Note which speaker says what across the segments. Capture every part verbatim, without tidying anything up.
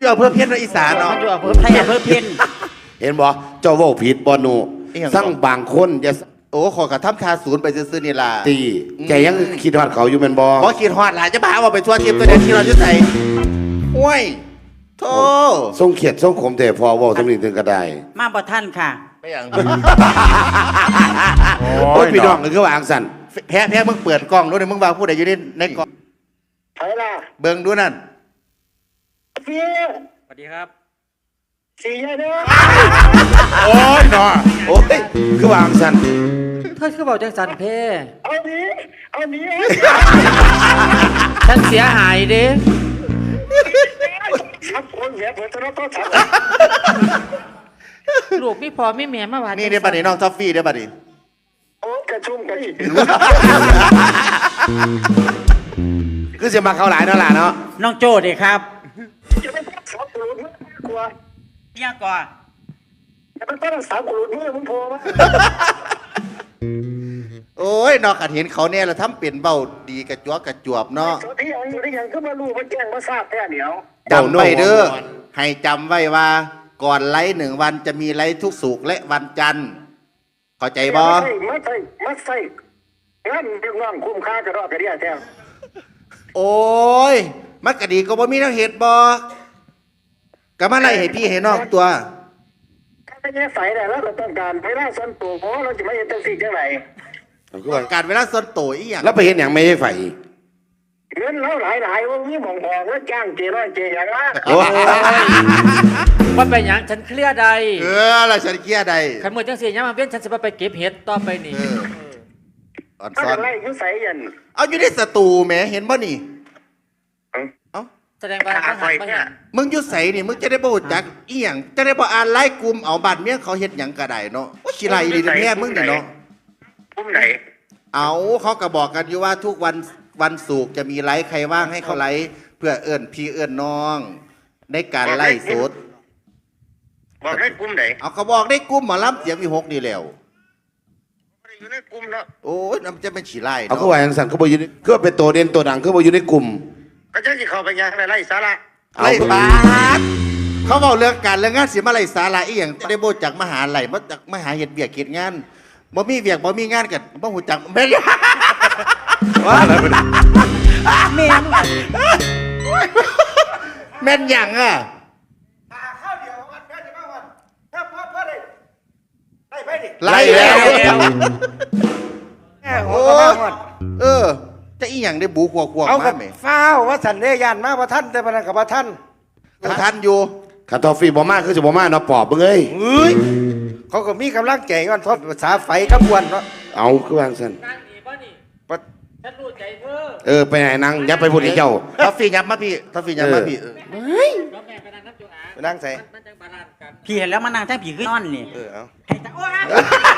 Speaker 1: อยู่อำเภอเพี้ยนอีสานเนาะ
Speaker 2: มันอยู่อำเภอไทยอำเภอเพี้ยน
Speaker 3: เห็นบ่เจ้าเว้าผิดบ่หนูสั่งบางคนจะ
Speaker 1: โอ้ขอกระทำทาศูนย์ไปซื้อๆนี่ล่ะ
Speaker 3: ตีแกยังคิดฮอดเขาอยู่แม่นบ่
Speaker 1: บ่คิดฮอดหลายจะพาว่าไปทั่วทิพย์ตัวเดียวที่เราจะใส่ห้วยโธ่
Speaker 3: ทรงเขียดทรงขมแต่พอเว้าสำนึกถึงก็ได้
Speaker 2: มาบ่ท่านค่ะ
Speaker 1: ไม่อย่าง
Speaker 3: โอ้ยพี่น้องก็คือว่าอังสัน
Speaker 1: แพ้แพ้มึงเปิดกล้องด้วยมึงว่าผู้ใดอยู่ในในกล้อง
Speaker 4: ใช่ล่ะ
Speaker 1: เบิ่งดูนั่น
Speaker 4: เสีย
Speaker 2: สวัสดีครับ
Speaker 4: เสียเด้อ
Speaker 3: โอ้ยเนาะโอ้ยคือว่าอังสัน
Speaker 5: เธอคือบอกจังสันเพ
Speaker 4: เอาหนี้เอาหนี้
Speaker 5: ฉันเสียหายเด้
Speaker 4: ทับคนเสียเผื่อจะรับโทษทับ
Speaker 5: ลูกไม่พอไม่แม่มาว่า
Speaker 1: นี่เดี๋ยวบัดนี้น้องทอฟฟี่เดี๋ยวบัดนี้
Speaker 4: โอ้กระชุ่มกระดิ่ง
Speaker 3: คือสิมาเข้าหลายเนาะล่ะเนาะ
Speaker 2: น้องโจ้ดิครับ
Speaker 4: จะไม่ต้องสาวกรุณกลัว
Speaker 2: เรียกก่อน
Speaker 4: จะไม่ต้องสาวกรุณเมื่อมึงโผล่มา
Speaker 1: โอ้ยนอกขัดเห็นเขาเนี่ยเราทำเปลี่ยนเบาดีกระจวกกระจวบเนาะ
Speaker 4: สที่ยังอยู่ได้ยังขึ้นมาลูกมาแจ้งมาทราบแค่เดียว
Speaker 1: จำไว้เด้อให้จำไว้ว่าก่อนไลฟ์หนึ่งวันจะมีไลฟ์ทุกสุกร์และวันจันทร์เข้าใจบ่
Speaker 4: ไม่ใช่ไม่ใช่ไม่ใช่งั้นเรื่องน้องคุ้มค่ากระรอกกระเดียแท้
Speaker 1: โอ้ยมันก็ดีก็บ่มีแนวเหตุบ่ก็มาไล่ให้พี่ให้น้องตัว
Speaker 4: ถ้าไม่แย่ใส่แต่แล้วก็ต้องการเวลาส่วนตัวเพราะเราจะไม่เห็นจังสิ่งจังไหน
Speaker 3: คือว่า
Speaker 1: การเวลาส่วนตัวอีหยัง
Speaker 3: แล้วไปเห็นหยังไม่ให้ไฟ
Speaker 4: เงินเราหลายหลายว่ามีหมองหองแล้วจ้างเจร้อยเจอย่างละ
Speaker 3: โอ้ย
Speaker 5: ว่าไปหยังฉันเคลียร์ใด
Speaker 1: เออแล้วฉันเครียดได้
Speaker 5: ขันมือจังสียังมาเว้นฉันจะไปเก็บเห็ดต่อไปนี่
Speaker 1: เอออ่อน
Speaker 4: ถ้า
Speaker 1: ซ้อน
Speaker 4: จะไล่ยุ่ใส่ยัน
Speaker 1: เอาอยู่ในสตูแหมเห็นบ่นี่เอ้า
Speaker 5: แสดงว่าเขาหันมาเห็น
Speaker 1: มึงอยู่ไสนี่มึงจะได้บ่รู้จักอีหยังจะได้บ่อ่านไลน์กลุ่มเอาบัตรเมียเขาเฮ็ดหยังก็ได้เนาะโอ้ยขี้ไรดีแท้มึงนี่เนาะ
Speaker 4: พุ่มไหน
Speaker 1: เอาเขาก็บอกกันอยู่ว่าทุกวันวันศุกร์จะมีไลฟ์ใครว่างให้เขาไลฟ์เพื่อเอื้อนพี่เอื้อนน้อง ในการไล่สด
Speaker 4: บอกให้กลุ่มไหน
Speaker 1: เอาเขาบอกได้กลุ่มหมอลำเสียงมีหกนี่แล้ว
Speaker 4: อยู่ในกลุ่มเนาะ
Speaker 1: โอ้ยน้ำจะเป็นฉีไล่
Speaker 3: เอา
Speaker 1: เนาะ
Speaker 3: คือว่าอังสันเขาบ่อยู่ในคือว่าเป็นตัวเด่นตัวดังคือบ่อยู่ในกลุ่ม
Speaker 4: ก็จะเข้าไปยังไล่สาระ
Speaker 3: เอา
Speaker 1: ไล่บาสเขาบอกเรื่องการเรื่องงานเสียมาไล่สาระอีหยังได้โบจากมหาลัยมาจากมหาเฮ็ดเบียกเฮ็ดงานบ่มีเบียกบ่มีงานกันบ่หูจักแม่นว่า
Speaker 2: แม่มึง
Speaker 1: แม่นหยังอ่ะ
Speaker 4: ข้าวเดียววันแค่จะมาวันถ้าพ่อพ่อได้ได้ไปดิ
Speaker 1: ไล่แล้ว
Speaker 4: แง่หั
Speaker 1: โอ้
Speaker 4: วก็มาหมด
Speaker 1: เออจะอีหยังได้บูขวบขวบ
Speaker 4: เอากั
Speaker 1: มา
Speaker 4: บ
Speaker 1: ไหม
Speaker 4: ฟ้าวว่าสันเดยานมาว่าท่านแต่พนันกับว่าท่าน
Speaker 1: ทันอยู่
Speaker 3: คันทอฟฟี่บ่มาคือสิบ่มาเนาะปอบเบิ่งเอ้ย
Speaker 4: เฮ้ยเขาก็มีกำลังใจก่อนทอดภาษาไฟกับวนเนาะ
Speaker 3: เอาคือว่าอังสัน
Speaker 5: นั่งนี่ป่ะนี่
Speaker 4: ปะ
Speaker 5: ฉันรู้ใจเธอ
Speaker 3: เออไปไหนนั่งอย่าไปพูดให้เจ้า
Speaker 1: ทอฟฟี่ยับมาพี่ทอฟฟี่ยับมาพี่เออ
Speaker 5: แล้วแม่ไปนั่งน้ำจูอา
Speaker 4: ไปนั่งใส่
Speaker 5: มันจังบาลานซ์กัน
Speaker 2: พี่เห็นแล้วมานั่งแท่งผีขึ้นนอนนี่
Speaker 4: เออเอา
Speaker 2: ให้ตาโอ้ย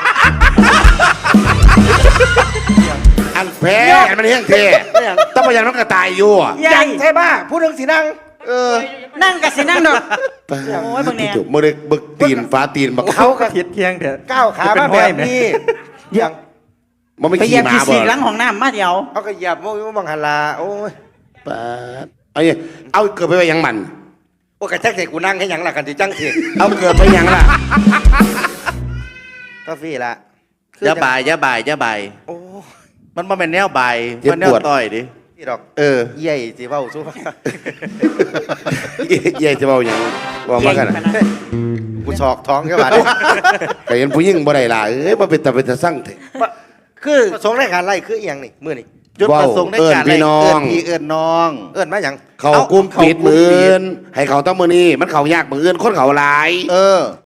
Speaker 3: อันแพ้อันมันเฮี้ยงเท่ต้องมายังน้องกระต่ายอยู่อะ
Speaker 2: ใหญ่
Speaker 4: ยังใช่ป่ะผู้หนึงสินั่ง
Speaker 1: เออ
Speaker 2: นั่งกับสินั่งดอก
Speaker 3: ไป
Speaker 2: โอ้ยเบิ่งแน่
Speaker 3: มื่อเด็กบึกตีนฟ้าตีนบัก
Speaker 4: เขาก็
Speaker 5: ผิดเพียงเถอะ
Speaker 4: ก้าวขามาแบบนี้ยัง
Speaker 3: มันไม่
Speaker 2: ไปเหยี
Speaker 3: ขี่
Speaker 2: ยบ
Speaker 3: หมา
Speaker 2: ขี้
Speaker 3: บ่
Speaker 2: สีหลังของน้ำมาเดียว
Speaker 4: เขาก็เหยียบโม้ยบังหันลาโอ้ย
Speaker 3: ปาดเอาอย่างเอาเกิดไปไปยังมัน
Speaker 4: โอ้กระแทกเสกกูนั่งให้หยังล่ะกันที่จังสิ
Speaker 3: เอาเกิดไปยังล่ะ
Speaker 4: กาแฟละ
Speaker 1: อย่าบ่ายอย่าบ่ายอย่าบ่าย
Speaker 4: โอ้
Speaker 1: มันบ่แม่นแนวบ่ายมันแนวต่อยดิ
Speaker 4: ที่ดอก
Speaker 1: เออ
Speaker 4: เย่สิเว้าสู้
Speaker 3: เย่จะเบาอย่างบอกมากัน
Speaker 2: เก่งขนาด
Speaker 4: กูชอกท้องแค่บาด
Speaker 3: แต่เห็นผู้หญิงบ่ได้ล่ะเอ้ยบ่เป็นตาเป็นตาสั่งเถอะ
Speaker 4: คือประสงค์ในการไล่คืออีหยังนี่มื้อนี่
Speaker 1: จุดประสงค์ในการ
Speaker 3: เอิ้นพี่น้อง
Speaker 1: เพี่เอิ้นน้อง
Speaker 4: เอิ้นมาหยัง
Speaker 3: เขากุ้มปิดมืออื่นให้เขาต้องมือนี้มันเขายากมืออื่นคนเขาหลาย
Speaker 1: เออ